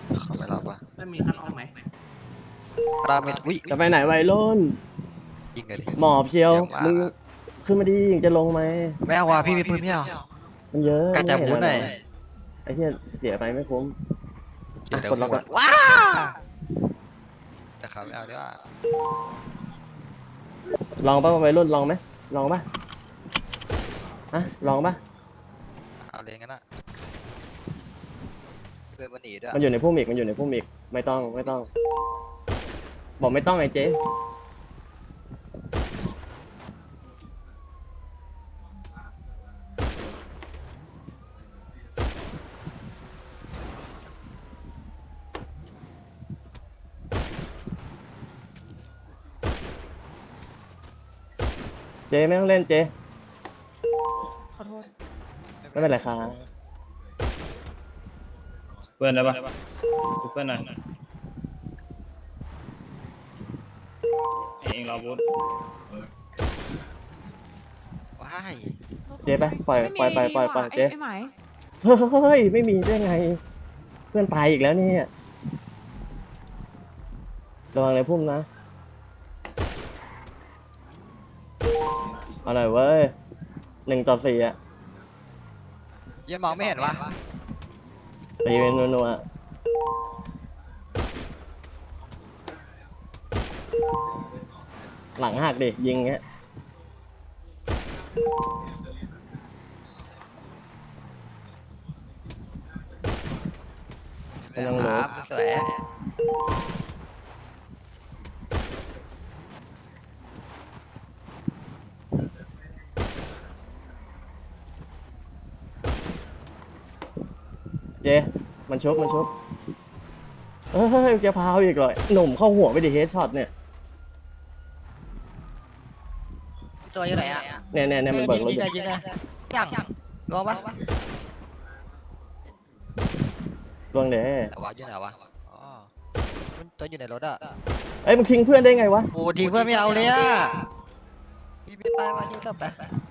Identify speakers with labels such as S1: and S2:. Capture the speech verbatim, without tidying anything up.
S1: เขาไม่รับว่ะ
S2: ไม่มีคันออกไหม
S1: ราเมนอุ้ย
S3: จะไปไหนวัยรุ่น
S1: ยิงเลยดิ
S3: หมอบเชียว
S1: เดี๋ยวมามึ
S3: มึงขึ้นมาดีจะลงไหม
S1: ไม่เอาว่ะพี่มีปืนไม่เอา
S3: มันเยอะ
S1: กัดจากบูธหน่อย
S3: ไอ้เหี้ยเสียไปไม่คุ้ม
S1: เดี๋ยวเดี๋ยว
S3: กดล็อก
S1: หัว
S3: ก่อน
S1: ว้าแต่เขาไม่เอาดีกว่า
S3: ลองป่ะวัยรุ่นลองไหมลองป่ะอะลองป่ะ
S1: เอาเลยงั้นนะเพื่อนมันหนีด้วย
S3: มันอยู่ในพุ่มอีกมันอยู่ในพุ่มอีกไม่ต้องไม่ต้อง บอกไม่ต้องไอ้เจ๊เจ๊ไม่ต้องเล่นเจ๊
S4: ขอโทษ
S3: ไม่เป็นไรครับ
S5: เพื่อนได้ปะเพื่อนหน่อยเองรอบูธ
S1: ว้าย
S3: เจ๊ไปปล่อย
S4: ไม่มี
S3: ปล่อยไปปล่อยปล่อย
S4: ไอ้
S3: เจ๊
S4: ไอ้ไหม
S3: เฮ้ยไม่มีได้ไง เพื่อนตายอีกแล้วเนี่ยระวังเลยพุ่มนะเอาหน่อยเว้ยหนึ่งต่อสี่อะ
S1: ยังมองไม่เห็นวะ
S3: ตีเป็นนัวๆหลังหักดิยิงเงี้ย
S1: ไม่ต้องครับสวย
S3: เจมันชุบมันชุบเฮ้ยจะพาวอีกเลยหนุ่มเข้าหัวไปดิเฮดช็อตเนี่ย
S1: ตัวอยู่ไหนอ่ะ
S3: เนี่ยเนี่ยเนี่ยมันเบิกรถอยู่
S1: ยิงยิงยิงยังรอปะ
S3: ล่วงเด้
S1: แต่ว่าอยู่ไหนวะอ๋อมันตัวอยู่ในรถอ่ะ
S3: เอ้ยมึงทิ้งเพื่อนได้ไงวะ
S1: โอ้ทีเพื่อนไม่เอาเลยอ่ะพี่พี่ไปมาอยู่ต่อไป